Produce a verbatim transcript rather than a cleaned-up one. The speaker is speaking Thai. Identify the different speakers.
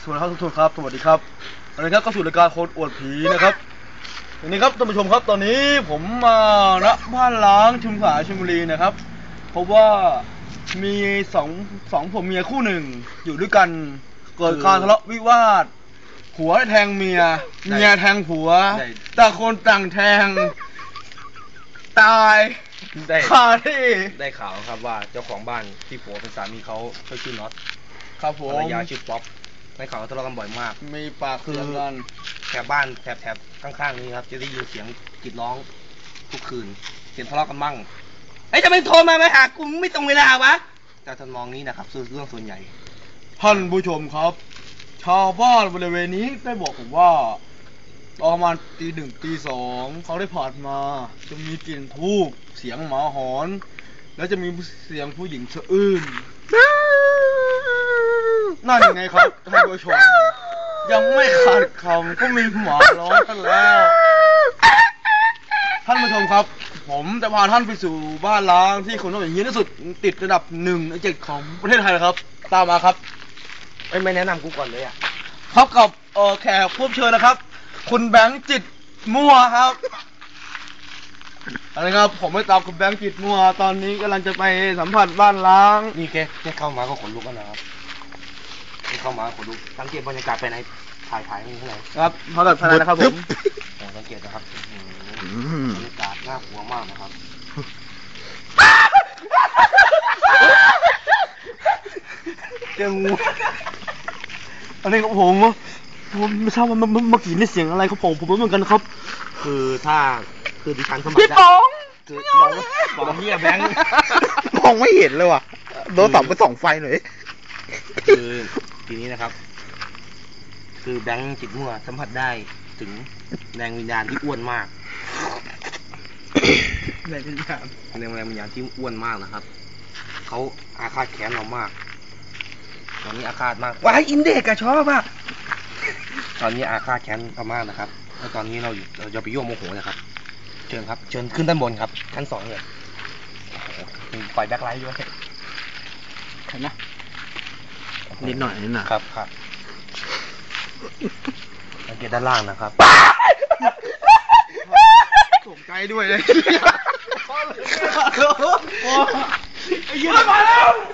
Speaker 1: วนครับทุกคนครับสวัสดีครับวันนี้ครับก็สู่รายการคนอวดผีนะครับวันนี้ครับท่านผู้ชมครับตอนนี้ผมมาณบ้านล้างชุมพรชลบุรีนะครับเพราะว่ามีสองสองผมเมียคู่หนึ่งอยู่ด้วยกันเกิดการทะเลาะวิวาทผัวแทงเมียเมียแทงผัวต่างคนต่างแทงตาย
Speaker 2: ได้
Speaker 1: คาที่
Speaker 2: ได้ข่าวครับว่าเจ้าของบ้านที่ผัวเป็นสามีเขาเขาชื่อน็อต
Speaker 1: ครับผม
Speaker 2: ภรรยาชื่อป๊อปได้ข่าวทะเลาะกันบ่อยมาก
Speaker 1: มีปากเสียงกัน
Speaker 2: แถบบ้านแถบแถบข้างๆนี้ครับจะได้ยินเสียงกรีดร้องทุกคืนเสียงทะเลาะกันบ้างไอ้จะไม่โทรมาไม่หากูไม่ตรงเวลาวะแต่ทำนองนี้นะครับเรื่องส่วนใหญ่
Speaker 1: ท่านผู้ชมครับชาวบ้านบริเวณนี้ได้บอกผมว่าตอนประมาณตีหนึ่งตีสองเขาได้ผ่านมาจะมีกลิ่นทูบเสียงหมาหอนแล้วจะมีเสียงผู้หญิงสะอื้นนั่นยังไงครับท่านผู้ชมยังไม่ขาดคำก็มีหมาร้องกันแล้วท่านผู้ชมครับผมจะพาท่านไปสู่บ้านล้างที่คนต้องอย่างนี้ที่สุดติดระดับหนึ่งในเจ็ดของประเทศไทยนะครับตามมาครับ
Speaker 2: ไม่แนะนำกูก่อนเลยอ่ะ
Speaker 1: พบกับเอ่อแขกผู้เชิญนะครับคุณแบงค์จิตมั่วครับอะไรครับผมไม่ตามคุณแบงค์จิตมั่วตอนนี้กำลังจะไปสัมผัสบ้านล้าง
Speaker 2: นี่แค่แค่เข้ามาก็ขนลุกแล้วนะครับแค่เข้ามาขนลุกสังเกตบรรยากาศไปไหนถ่ายถ่ายนี่เท่าไหร่
Speaker 1: ครับเขาแบบภายในนะครับผม
Speaker 2: สังเกตนะครับบรรยากาศน่ากลัวมากนะครับ
Speaker 1: เจองูอันนี้ครับผมผมไม่ทราบว่าเมื่อกี้นี่เสียงอะไรครับผมผมไม่เหมือนกันครับ
Speaker 2: คือถ้าคือดิฉันสมัคร
Speaker 1: พี่ป๋อง
Speaker 2: คือมองมองเฮียแบงค์
Speaker 3: มองไม่เห็นเลยว่ะโดนตับไปส่องไฟหน่อย
Speaker 2: คือทีนี้นะครับคือแบงค์จิตมั่วสัมผัสได้ถึงแรงวิญญาณที่อ้วนมาก
Speaker 1: แรงวิญญาณ
Speaker 2: แรงแรงวิญญาณที่อ้วนมากนะครับเขาอาฆาตแค้นเรามากตอนนี้อาฆาตมากว้ายอินเด็กอะชอบอะตอนนี้อาฆาตแค้นเรามากนะครับแล้วตอนนี้เราเราจะไปยั่วโมโหนะครับเชิญครับเชิญขึ้นด้านบนครับชั้นสองเลยมีไฟแบ็คไลท์ด้วย
Speaker 1: เห็นไหม
Speaker 3: นิดหน่อยนิดหน่อย
Speaker 2: ครับครับสังเกตด้านล่างนะครับ
Speaker 1: ตกใจด้วยเลยไอ้เหี้ยมาแล้ว